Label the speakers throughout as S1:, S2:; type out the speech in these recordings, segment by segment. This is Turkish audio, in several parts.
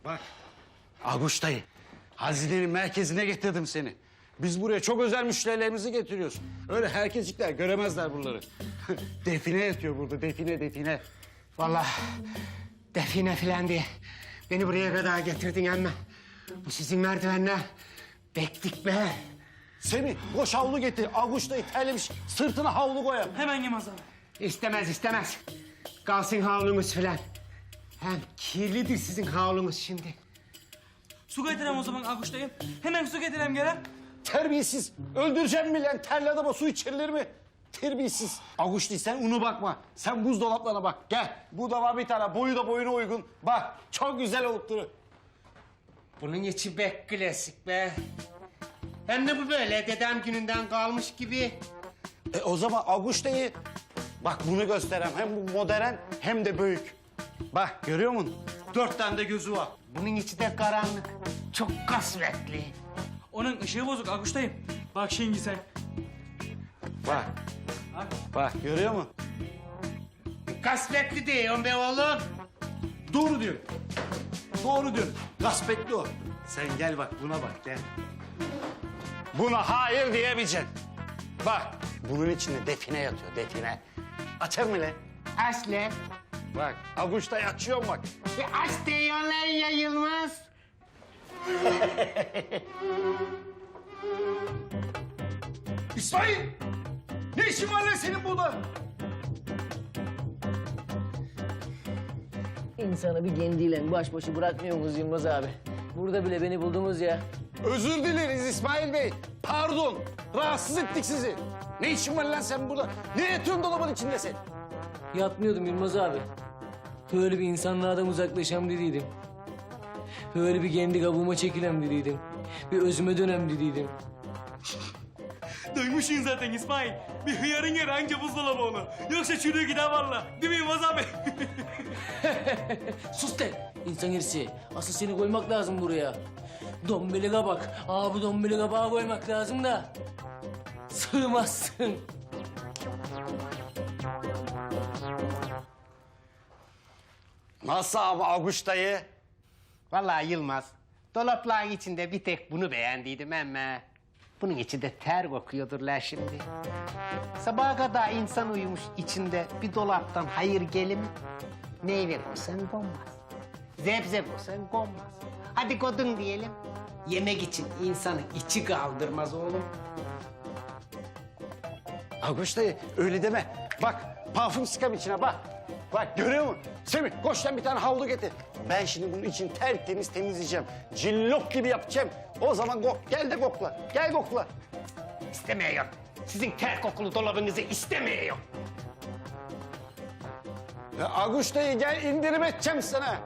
S1: Bak, Aguş dayı, hazinenin merkezine getirdim seni. Biz buraya çok özel müşterilerimizi getiriyoruz. Öyle herkescikler göremezler buraları. Define yatıyor burada, define.
S2: Vallahi define filan diye beni buraya kadar getirdin ama bu sizin merdivenler bektik be.
S1: Semih, koş havlu getir. Aguş dayı terlemiş, sırtına havlu koyalım.
S3: Hemen Yılmaz abi.
S2: İstemez. Kalsın havlunuz filan. Hem kirlidir sizin havlunuz şimdi.
S3: Su getirem o zaman Akuş'tayım. Hemen su getirem gelen.
S1: Terbiyesiz. Öldüreceğim mi lan? Terli adama su içirilir mi? Terbiyesiz. Aguş değil, sen unu bakma. Sen buzdolaplarına bak. Gel. Bu da var bir tane. Boyu da boyuna uygun. Bak, çok güzel olup durur.
S2: Bunun içi bek klasik be. Hem de bu böyle dedem gününden kalmış gibi.
S1: O zaman Aguş dayı... Bak bunu gösterem. Hem bu modern hem de büyük. Bak, görüyor musun? 4 tane de gözü var.
S2: Bunun içi de karanlık. Çok kasvetli.
S3: Onun ışığı bozuk Akuş'tayım. Bak şimdi sen.
S1: Bak. Bak, görüyor musun?
S2: Kasvetli diyorum be oğlum.
S1: Doğru diyor. Doğru diyor. Gaspetli o. Sen gel bak, buna bak, gel. Buna hayır diyemeyeceksin. Bak, bunun içinde define yatıyor, define. Açar mı lan?
S2: Aslen.
S1: Bak, Aguş'ta açıyorum bak.
S2: Aç diyorlar ya Yılmaz.
S1: İsmail! Ne işin var lan senin burada?
S4: İnsanı bir kendiyle baş başa bırakmıyorsunuz Yılmaz abi. Burada bile beni buldunuz ya.
S1: Özür dileriz İsmail Bey. Pardon, rahatsız ettik sizi. Ne işin var lan sen burada? Ne yatıyorsun dolabın içinde sen?
S4: Yatmıyordum Yılmaz abi. Böyle bir insanlardan uzaklaşam dediydim. Böyle bir kendi kabuğuma çekilem dediydim. Bir özüme dönem dediydim.
S3: Duymuşsun zaten İsmail. Bir hıyarın yeri anca buzdolabı onu. Yoksa çürüğü gider valla. Değil mi Yılmaz abi?
S4: Sus de insan herisi. Asıl seni koymak lazım buraya. Dombili kabak. Bu dombili kabağı koymak lazım da. Sığmazsın.
S1: Nasıl abi Aguş dayı?
S2: Vallahi Yılmaz, dolapların içinde bir tek bunu beğendiydim ama... ...bunun içi de ter kokuyordur la şimdi. Sabaha kadar insan uyumuş içinde bir dolaptan hayır gelir mi? Meyve koysan konmaz. Zebze koysan konmaz. Hadi kodun diyelim. Yemek için insanın içi kaldırmaz oğlum.
S1: Aguş dayı öyle deme. Bak, parfüm sıkam içine bak. Bak, görüyor musun? Semih, koş lan bir tane havlu getir. Ben şimdi bunun için tertemiz temizleyeceğim. Cillop gibi yapacağım. O zaman gel de kokla. Gel kokla.
S2: İstemiyor. Sizin ter kokulu dolabınızı istemiyor.
S1: Ya Aguş dayı gel indirim edeceğim sana.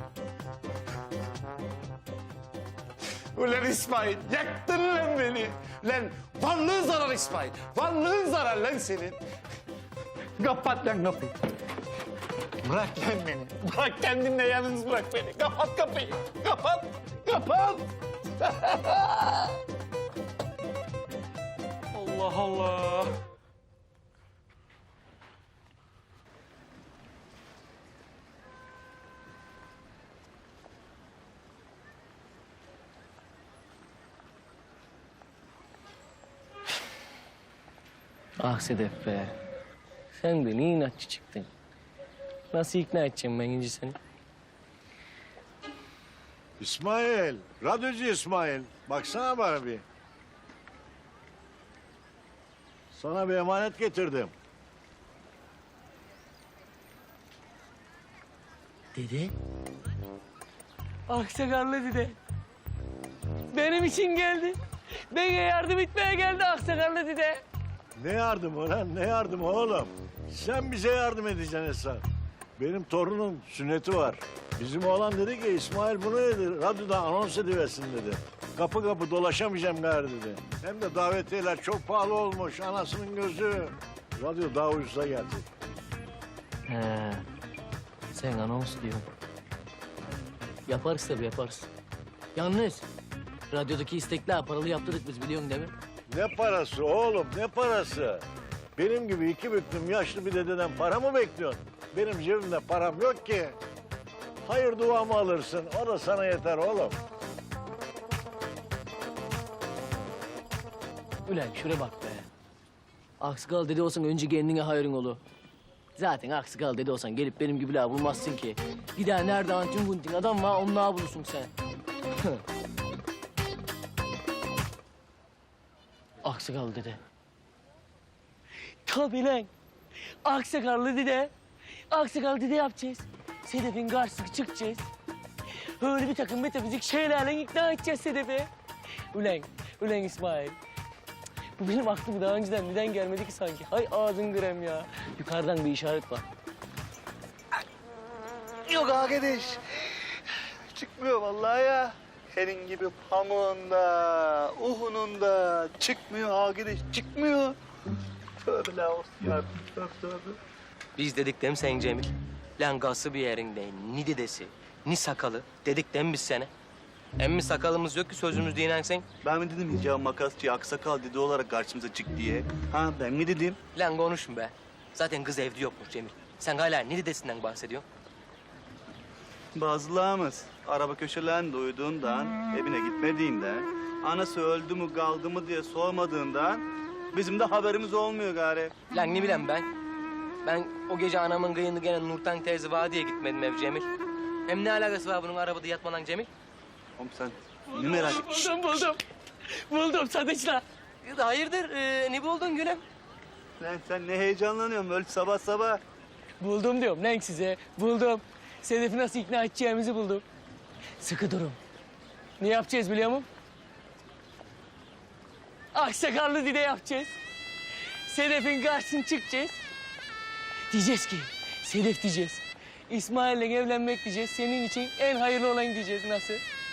S1: Ulan İsmail, yaktın lan beni. Lan varlığın zarar İsmail. Varlığın zarar lan senin. Kapat lan kapıyı. Bırak lan beni. Bırak kendinle yalnız bırak beni. Kapat kapıyı. Kapat. Kapat.
S3: Allah Allah.
S4: Ah Sedef be. Sen de ne inatçı çıktın. Nasıl ikna edeceğim ben inci seni?
S5: İsmail, radyocu İsmail. Baksana bana bir. Sana bir emanet getirdim.
S4: Dede. Aksakallı dede. Benim için geldi. Bana yardım etmeye geldi aksakallı dede.
S5: Ne yardımı lan, ne yardımı oğlum? Sen bize yardım edeceksin Esra. Benim torunun sünneti var. Bizim oğlan dedi ki İsmail bunu dedi, radyoda anons ediversin dedi. Kapı kapı dolaşamayacağım gari dedi. Hem de davetiyeler çok pahalı olmuş, anasının gözü. Radyo daha ucuza gelecek.
S4: He. Sen anons diyorsun. Yaparız tabii yaparız. Yalnız radyodaki istekler paralı yaptırdık biz biliyorsun değil mi?
S5: Ne parası oğlum, ne parası? Benim gibi iki büklüm yaşlı bir dededen para mı bekliyorsun? Benim cebimde param yok ki. hayır duamı alırsın. O da sana yeter oğlum.
S4: Ulan şuraya bak be. Aksikal dede olsan önce kendine hayrın olu. Zaten aksikal dede olsan gelip benim gibi la bulmazsın ki. Bir daha nerede antin buntin adam var onunla bulursun sen. Aksikal dede. Tabii lan. Aksakallı dede. Aksakal dede yapacağız. Sedef'in karşısına çıkacağız. Öyle bir takım metafizik şeylerle ikna edeceğiz Sedef'e. Ulan İsmail. Bu benim aklım daha önceden neden gelmedi ki sanki? Hay ağzın grem ya. Yukarıdan bir işaret var.
S1: Yok arkadaş. Çıkmıyor vallahi ya. Senin gibi pamuğunda, uhununda çıkmıyor arkadaş, çıkmıyor. Tövbe la olsun ya. Tövbe.
S6: Biz dedik değil mi sen Cemil? Lan gası bir yerinde, ni dedesi, ni sakalı dedik değil mi biz sana? Emmi sakalımız yok ki sözümüz dinlen sen.
S1: Ben mi dedim ya makasçı aksakal dedi olarak karşımıza çık diye? Ha ben mi dedim?
S6: Lan konuşma be. Zaten kız evde yokmuş Cemil. Sen hala ni dedesinden bahsediyorsun?
S1: Bazılarımız araba köşelerinde uyuduğundan, evine gitmediğinden, anası öldü mü kaldı mı diye sormadığından bizim de haberimiz olmuyor gari.
S6: Lan ne bileyim ben? Ben o gece anamın kıyını gelen Nurten teyze var diye gitmedim ev Cemil. Hem ne alakası var bunun arabada yatmadan Cemil?
S1: Oğlum sen ne merak et?
S4: Buldum sadıçla.
S6: Hayırdır, ne buldun gülüm?
S1: Sen ne heyecanlanıyorsun öyle sabah sabah?
S4: Buldum diyorum lan size. Buldum. Sedef'i nasıl ikna edeceğimizi buldum. Sıkı durun. Ne yapacağız biliyor musun? Aksakallı dide yapacağız. Sedef'in karşısına çıkacağız. Diyeceğiz ki, Sedef diyeceğiz. İsmail'le evlenmek diyeceğiz. Senin için en hayırlı olan diyeceğiz. Nasıl?